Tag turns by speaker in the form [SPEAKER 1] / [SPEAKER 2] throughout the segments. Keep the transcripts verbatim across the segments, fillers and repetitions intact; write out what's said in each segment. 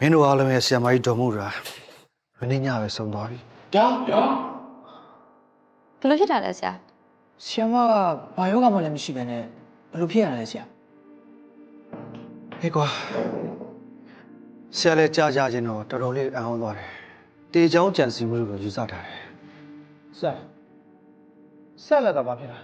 [SPEAKER 1] မင်းတို့အားလုံးရဲ့ဆရာမကြီးတော်မှုတာမင်းညပဲဆုံးသွားပြီ
[SPEAKER 2] ဒါဗျာ
[SPEAKER 3] ဘယ်လိုဖြစ်တာလဲဆရာ
[SPEAKER 2] ဆီယမကဘာယောဂမှလည်းမရှိဘဲနဲ့ဘယ်လိုဖြစ်ရလဲဆရာ
[SPEAKER 1] ဟေးကွာဆရာလည်းကြားကြခြင်းတော့တော်တော်လေးအံ့ဩသွားတယ်တေချောင်းကြံစီမှုလို့ယူဆထားတယ်
[SPEAKER 2] ဆက်ဆက်လက်တော့ဘာဖြစ်လဲ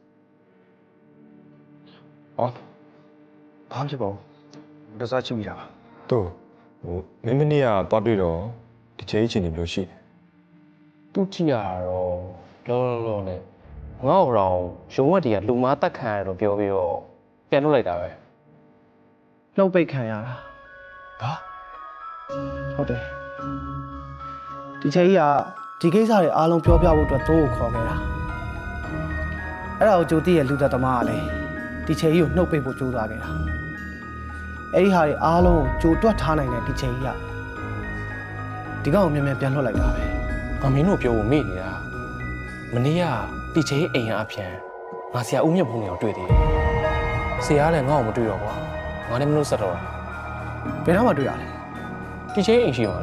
[SPEAKER 1] ဟောဘာဖြစ်ပါဘူးတစားချစ်မိတာပါ
[SPEAKER 4] တို့ဟိုမင်းမနေ့ကသွားတွေ့တော့ဒီချိန်အချိန်တွေဘယ်လိုရှိလဲ
[SPEAKER 5] သူကြည့်ရတော့လောလောလောနဲ့ငါ့အောင်ရုံဝက်တွေကလူမားတက်ခံရတော့ပြောပြီးတော့ပြန်လွတ်လိုက်တာပဲ
[SPEAKER 2] လှုပ်ပိတ်ခံရတာ
[SPEAKER 1] ဘာ
[SPEAKER 2] ဟုတ်တယ်ဒီချိန်ကြီးကဒီကိစ္စတွေအားလုံးပြောပြဖို့အတွက်တိုးကိုခေါ်ခဲ့တာအဲ့ဒါကိုကြိုတိရဲ့လူသက်သမားကလည်းဒီချိန်ကြီးကိုနှုတ်ပိတ်ဖို့ကြိုးစားခဲ့တာအဲ့ဒီဟာတွေအားလုံးကိုကြိုတွက်ထားနိုင်တဲ့ဒီချိန်ကြီးကဒီကောင်ကိုမြန်မြန်ပြန်လွှတ်လိုက်တာပဲ
[SPEAKER 5] ငါမင်းတို့ပြောဖို့မေ့နေတာမနေ့ကတီချေအိမ်အပြန်ငါဆရာဦးမြတ်ဘုံကိုတွေ့သေးတယ်ဆရာကလည်းငါ့ကိုမတွေ့တော့ကွာငါလည်းမလို့ဆက်တော့တာ
[SPEAKER 2] ဘယ်တော့မှတွေ့ရလဲ
[SPEAKER 5] တီချေအိမ်ရှိမှာလေ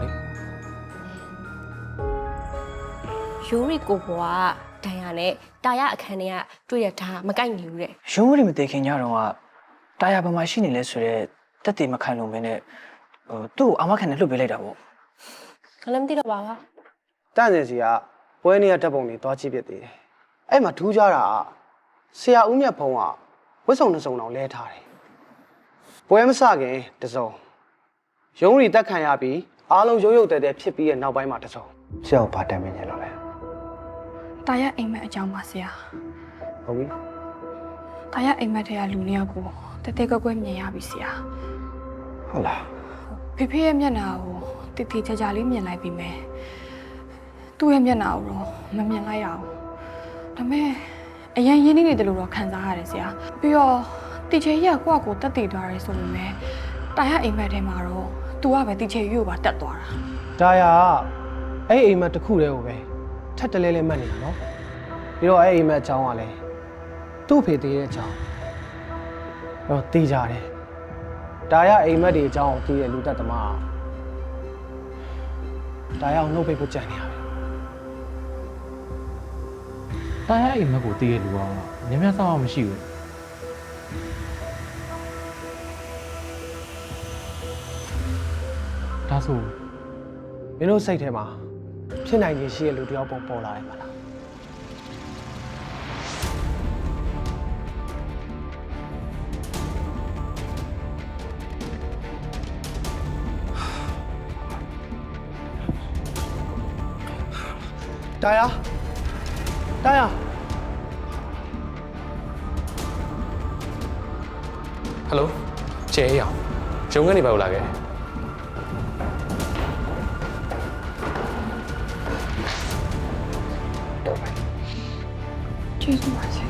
[SPEAKER 3] ယူရီကိုဘွားဒိုင်ယာနဲ့တာရအခန်းထဲကတွေ့ရတာမကိုက်နေဘူးတဲ့
[SPEAKER 2] ရုံးဝရီမသိခင်ညတော့ကတာယာဘာမှရှိနေလဲဆိုတော့တက်တေမခံလို့မင်းနဲ့ဟိုသူ့ကိုအာမခံနဲ့လှုပ်ပေးလိုက်တာပေါ့
[SPEAKER 3] ခလည်းမသိတော့ပါဘူး
[SPEAKER 2] တန့်စင်စီကပွဲနေရတက်ပုံတွေသွားကြည့်ပြသေးတယ်အဲ့မှာထူးခြားတာကဆရာဦးမြတ်ဖုံးကဝတ်စုံတစ်စုံတောင်လဲထားတယ်ပွဲမစခင်တစ်စုံရုံးရီတက်ခံရပြီးအားလုံးရုပ်ရုပ်တဲတဲဖြစ်ပြီးရဲ့နောက်ပိုင်းမှာတစ်စုံ
[SPEAKER 1] ဆရာကဘာတမ်းမင်းညလို့လဲ
[SPEAKER 6] တာရအိမ်မက်အကြောင်းပါဆရာ
[SPEAKER 2] ဟုတ်ပြီ
[SPEAKER 6] တာရအိမ်မက်ထဲကလူနှစ်ယောက်ကိုတတဲကွက်ကွက်မြင်ရပြီဆရာ
[SPEAKER 1] ဟုတ်လား
[SPEAKER 6] ဖေဖေရဲ့မျက်နှာကိုတိတိကျကျလေးမြင်လိုက်ပြီမယ်သူ့ရဲ့မျက်နှာကိုတော့မမြင်လိုက်ရအောင်ဒါပေမဲ့အရင်ရင်းနှီးနေတယ်လို့တော့ခံစားရတယ်ဆရာပြီးတော့တီချေကြီးကကိုယ့်အကိုတက်တည်သွားတယ်ဆိုပေမဲ့တာရအိမ်မက်ထဲမှာတော့ तू ကပဲတီချေကြီးကိုပါတက်သွားတာ
[SPEAKER 2] ဒါယာအဲ့အိမ်မက်တစ်ခုတည်းကိုပဲထက်တလဲလဲမှတ်နေတာနော်ပြီးတော့အဲ့အိမ်မက်အကြောင်းကလည်းသူ့ဖေသေးတဲ့အကြောင်းတော့သိကြတယ်ဒါယာအိမ်မက်တွေအကြောင်းကိုသိတဲ့လူသက်သမားဒါယာကိုနှုတ်ပိတ်ဖို့ကြံနေရပြီ
[SPEAKER 7] တာရအိမ်မက်ကိုတည်ရလူကညံ့ညံ့ဆောက်အောင်မရှိဘူးဒါဆို
[SPEAKER 2] မင်းတို့စိတ်ထဲမှာဖြစ်နိုင်ခြင်းရှိတဲ့လူတစ်ယောက်ပုံပေါ်လာတယ်မလားတာယာတာယာ
[SPEAKER 5] ဟယ်လိုချေအေးအောင်ရုံကနေပါဦးလာခဲ့
[SPEAKER 6] ကျေးဇူးပါဆရာ